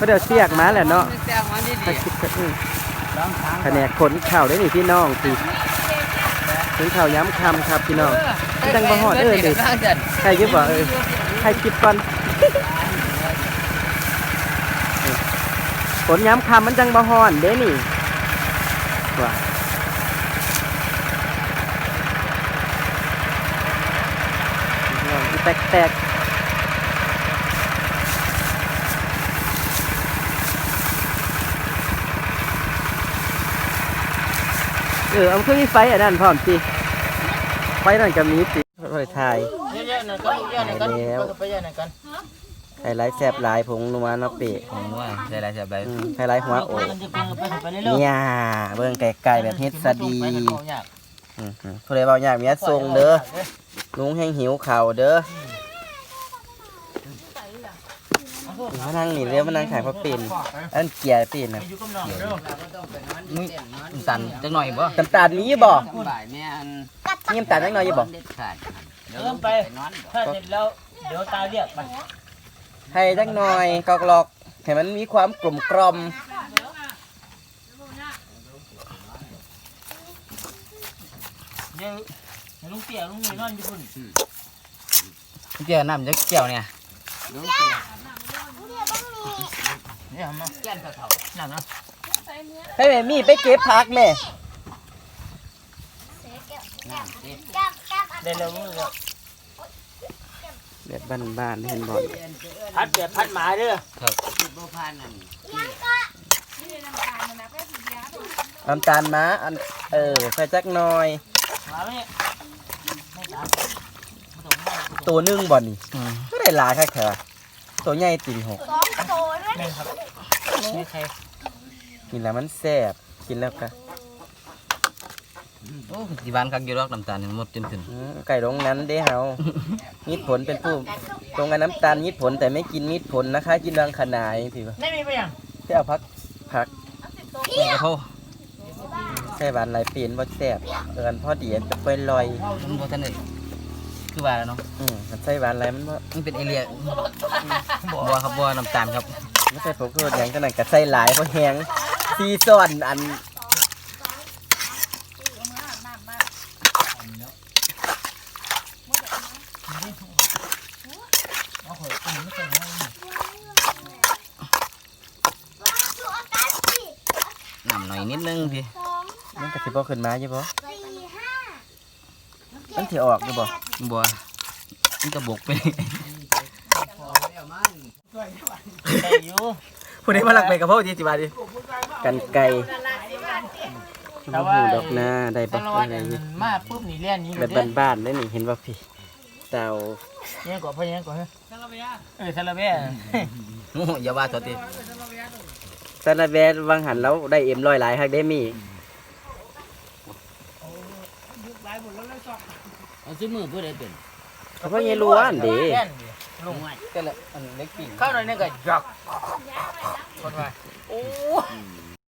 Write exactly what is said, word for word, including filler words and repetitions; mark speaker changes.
Speaker 1: เดี๋ยวเสียกมาแหละเนาะถ้าคิดก็อือแผนกขนข่าวได้นี่พี่น้องสิถึงข่าวย้ำคำครับพี่น้องจังบ่ฮอดเอ้ยเด็กใครยึดบ่เอ้ยใครคิดก่อนขนย้ำคำมันจังบ่ฮอนเด้นี่ว่าแตกแตกเออเอาเครื่องนี้ไฟอันนั้นพร้อมสิไฟนั่นก็มีสิค่อยถ่าย
Speaker 2: เยอะๆหน่อยกันเยอะๆหน่อยกันไปเยอะหน่อยกัน
Speaker 1: ไฮไลท์แซ่บหลายผงนัวเนาะเปะ
Speaker 3: ผงนัวไฮไลท์แซ่บหลาย
Speaker 1: ไฮไลท์หัวโอ้เนี่ยเบิ่งไก่ๆแบบเฮ็ดซะดีอือผู้ใดเว้ายากเมียส่งเด้อลุงแห้งหิวข้าวเด้อมานั่งนี่เร็วมานั่งขายพระปิ่นอันเกียร์ปิ่นนะ
Speaker 3: มึงสั่นจังหน่อยบ่
Speaker 1: น้ำตาลมีบ่นี่น้ำตาลจังหน่อยบ่
Speaker 2: เดินไปถ้าเสร็จแล้วเดี๋ยวตาเรียกไป
Speaker 1: ให้จังหน่อยกอกหลอกให้มันมีความกลมกล่อม
Speaker 2: เดี๋ยวลุงเตี่ยลุงมีนอนอยู่พุ่น
Speaker 3: เกี่ยวน้ำจะเกี่ยวเนี่ย
Speaker 2: นี่ทำมาแก้นเถ่าๆนั่นนะ
Speaker 1: ให้แม่มีไปเก็บผักแม่
Speaker 2: เดินเร็วเลย
Speaker 1: แบบบ้านๆเห็นบ่
Speaker 2: พัดเปียพัดหมาเด้อ
Speaker 3: ครับ
Speaker 1: น้ำตาลม้าอันเออใส่จักหน่อยตัวนึ่งบ่นี่ก็ได้หลายแค่แค่ตัวใหญ่ติ่งหกกินแล้วมันแซ่บกินแล้วก็
Speaker 3: โอ้ที่บ้านคักอยู่รอกน้ำตาลหมดจนถึง
Speaker 1: ไก่ตรงนั้นเด้เฮามีผลเป็นผู้ตรงกันน้ำตาลมีผลแต่ไม่กินมีผลนะคะกินรังขนายสิวะ
Speaker 2: ไม่มีไปยัง
Speaker 1: ที่เอาพักพัก
Speaker 3: กระเพาะ
Speaker 1: ใส่หวานลายเปลี่ยนบ่แซ่บเอินพอดีจะไปลอย
Speaker 3: มันบ่ทันได้คือว่าแล้วเนาะ
Speaker 1: อืมใส่หวานอะไรมันบ่
Speaker 3: มันเป็นเอเลียบัวครับบัวน้ำตาลครับ
Speaker 1: ไม่ใช่ผมก็แหงขนาดกับใส่หลายเพราะแหงซีซ่อนอัน
Speaker 3: น้ำหน่อยนิดนึงพี่
Speaker 1: มันกระสิบบ่ขึ้นมาใช่ปะมันถือออกใช่ปะ
Speaker 3: บัวมันกระบกไป
Speaker 1: ผู้นี้มาหลักไปกับพ่อจีจิบาดิกันไก่แต่ว่าดอกนาได้ปะอะไรนี่
Speaker 2: มาปุ๊บนี่เลี้ยนนี้
Speaker 1: แบบบ้านๆได้นี่เห็นว่าพี่เต่า
Speaker 2: เนี่ยก่อนพ่อเนี่ยก่อนเฮ้ยซาลาเบียเออซาลาเบีย
Speaker 3: โอ้อย่าว่าตัวตี
Speaker 1: ซาลาเบียวังหันแล้วได้เอ็มร้อยหลายฮักได้มี
Speaker 3: เอาซื้อมือเพื่อได้เป็น
Speaker 1: เขาพ่อเงี้ยล้วนดิ
Speaker 2: ลุง
Speaker 3: ก็เลยอันเล็กปี
Speaker 2: เข้าหน่อยเนี่ยก็จักคนไปโอ้